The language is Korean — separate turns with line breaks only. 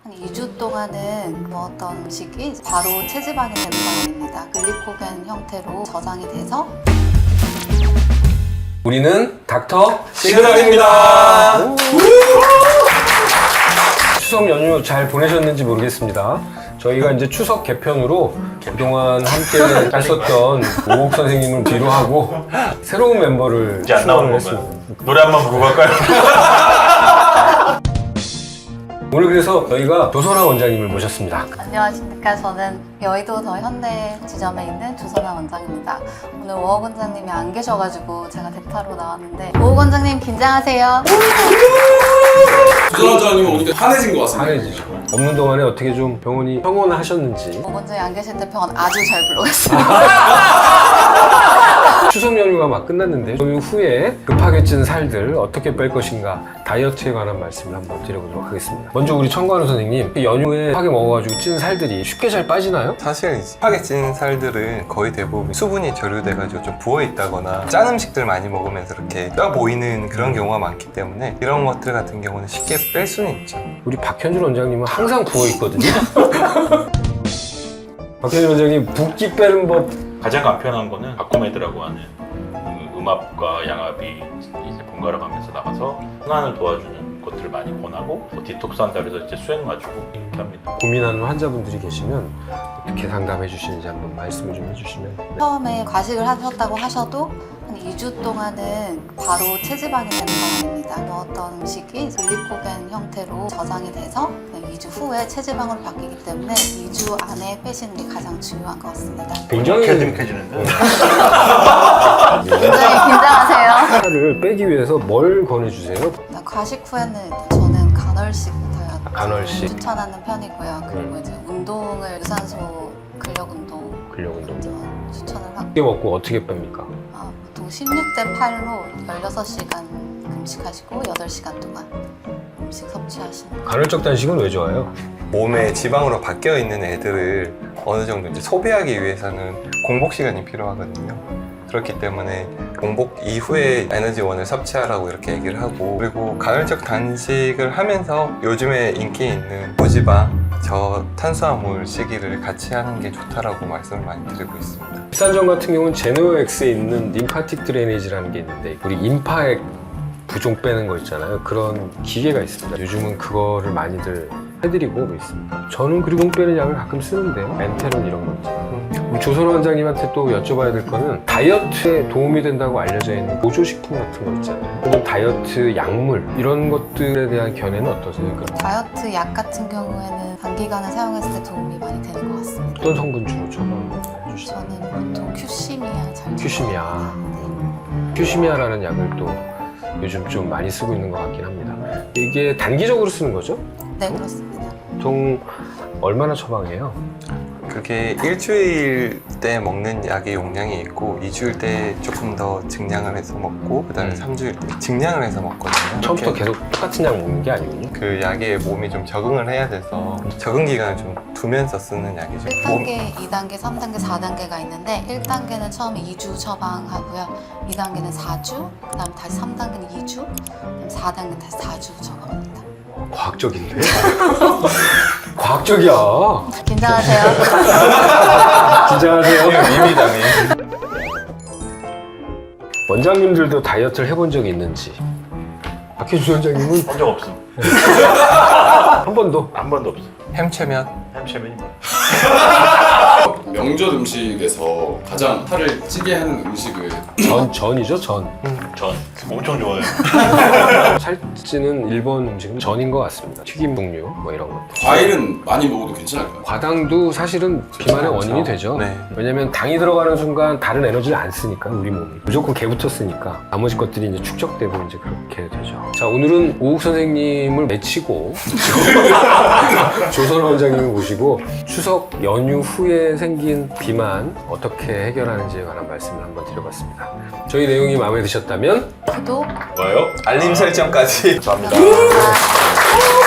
한 2주 동안은 먹었던 음식이 바로 체지방이 되는 건 아닙니다. 글리코겐 형태로 저장이 돼서
우리는 닥터
시그널입니다.
추석 연휴 잘 보내셨는지 모르겠습니다. 저희가 이제 추석 개편으로 그동안 함께 했었던 오옥 선생님을 뒤로 하고 새로운 멤버를
이제 안 나오는
출연을
건가요?
했습니다.
노래 한번 부르고 갈까요?
오늘 그래서 저희가 조선아 원장님을 모셨습니다.
안녕하십니까. 저는 여의도 더 현대 지점에 있는 조선아 원장입니다. 오늘 오옥 원장님이 안 계셔가지고 제가 대타로 나왔는데 오옥 원장님 긴장하세요.
조선 원장님은 오니까 환해진 것 같습니다.
한해지죠. 없는 동안에 어떻게 좀 병원이 평온을 하셨는지.
오옥 원장이 안 계실 때 병원 아주 잘 불러갔어요.
추석 연휴가 막 끝났는데 연휴 후에 급하게 찐 살들 어떻게 뺄 것인가 다이어트에 관한 말씀을 한번 드려보도록 하겠습니다. 먼저 우리 청관우 선생님, 연휴에 급하게 먹어가지고 찐 살들이 쉽게 잘 빠지나요?
사실 이제 파게 찐 살들은 거의 대부분 수분이 절유돼가지고 좀 부어있다거나 짠 음식들 많이 먹으면서 이렇게 떠 보이는 그런 경우가 많기 때문에 이런 것들 같은 경우는 쉽게 뺄 수는 있죠.
우리 박현준 원장님은 항상 부어있거든요. 박현준 원장님 붓기 빼는 법
가장 간편한 거는 바코메드라고 하는 음압과 양압이 이제 번갈아 가면서 나가서 순환을 도와주는 것들을 많이 권하고 디톡스 한다 그래서 이제 수행 맞추고 이렇게 합니다.
고민하는 환자분들이 계시면 어떻게 상담해 주시는지 한번 말씀을 좀 해주시면. 네.
처음에 과식을 하셨다고 하셔도 한 2주 동안은 바로 체지방이 되는 건 아닙니다. 먹었던 음식이 글리코겐 형태로 저장이 돼서 2주 후에 체지방으로 바뀌기 때문에 2주 안에 빼시는 게 가장 중요한 것 같습니다.
굉장히
듬직해지는데
굉장히 긴장하세요.
살을 빼기 위해서 뭘 권해주세요?
과식 후에는 저는 간헐식 다이어트
간헐식.
추천하는 편이고요. 그리고 이제 운동을 유산소 근력 운동
근력 운동.
추천을 하고
어떻게 먹고 어떻게 뺍니까?
보통 16대 8로 16시간 금식하시고 8시간 동안 음식 섭취하시는 거예요.
간헐적 단식은 왜 좋아요?
몸에 지방으로 바뀌어 있는 애들을 어느 정도 이제 소비하기 위해서는 공복 시간이 필요하거든요. 그렇기 때문에 공복 이후에 에너지원을 섭취하라고 이렇게 얘기를 하고, 그리고 간헐적 단식을 하면서 요즘에 인기 있는 고지방, 저탄수화물 시기를 같이 하는 게 좋다라고 말씀을 많이 드리고 있습니다.
비싼점 같은 경우는 제노엑스에 있는 림파틱 드레이니지라는 게 있는데 우리 임파액 부종 빼는 거 있잖아요. 그런 기계가 있습니다. 요즘은 그거를 많이들 해드리고 있습니다. 저는 그리고 빼는 약을 가끔 쓰는데요. 엔테론 이런 거 있잖아요. 우리 조선 원장님한테 또 여쭤봐야 될 거는 다이어트에 도움이 된다고 알려져 있는 보조식품 같은 거 있잖아요. 혹은 다이어트 약물 이런 것들에 대한 견해는 어떠세요?
다이어트 약 같은 경우에는 단기간에 사용했을 때 도움이 많이 되는 것 같습니다.
어떤 성분 주로 처방해 주시죠?
저는 보통 큐시미아 잘
큐시미아.
네.
큐시미아라는 약을 또 요즘 좀 많이 쓰고 있는 것 같긴 합니다. 이게 단기적으로 쓰는 거죠?
네, 그렇습니다.
보통 얼마나 처방해요?
그게 일주일 때 먹는 약의 용량이 있고 2주일 때 조금 더 증량을 해서 먹고 그 다음에 3주일 때 증량을 해서 먹거든요.
처음부터
이렇게
계속 똑같은 약 먹는 게 아니군요.
그 약에 몸이 좀 적응을 해야 돼서 적응 기간을 좀 두면서 쓰는 약이죠.
1단계, 2단계, 3단계, 4단계가 있는데 1단계는 처음에 2주 처방하고요. 2단계는 4주, 그 다음 다시 3단계는 2주, 그다음 4단계는 다시 4주 처방합니다.
과학적인데? 과학적이야.
긴장하세요.
긴장하세요.
밈이다, 밈.
원장님들도 다이어트를 해본 적이 있는지. 박현준 원장님은
한 적 없음.
한 번도.
한 번도 없음.
햄채면
햄쉐맨이 뭐.
명절 음식에서 가장 살을 찌게 하는 음식을
전이죠, 전.
전 엄청 좋아해요.
살찌는 일본 음식은 전인 것 같습니다. 튀김 종류, 뭐 이런 것.
과일은 많이 먹어도 괜찮을까요?
과당도 사실은 비만의 원인이 되죠.
네.
왜냐면 당이 들어가는 순간 다른 에너지를 안 쓰니까 우리 몸이 무조건 개부터 쓰니까 나머지 것들이 이제 축적되고 이제 그렇게 되죠. 자, 오늘은 오욱 선생님을 메치고 조선 원장님을 모시고 추석 연휴 후에 생긴 비만 어떻게 해결하는지에 관한 말씀을 한번 드려봤습니다. 저희 내용이 마음에 드셨다면
구독,
뭐요?
알림 설정까지.
감사합니다.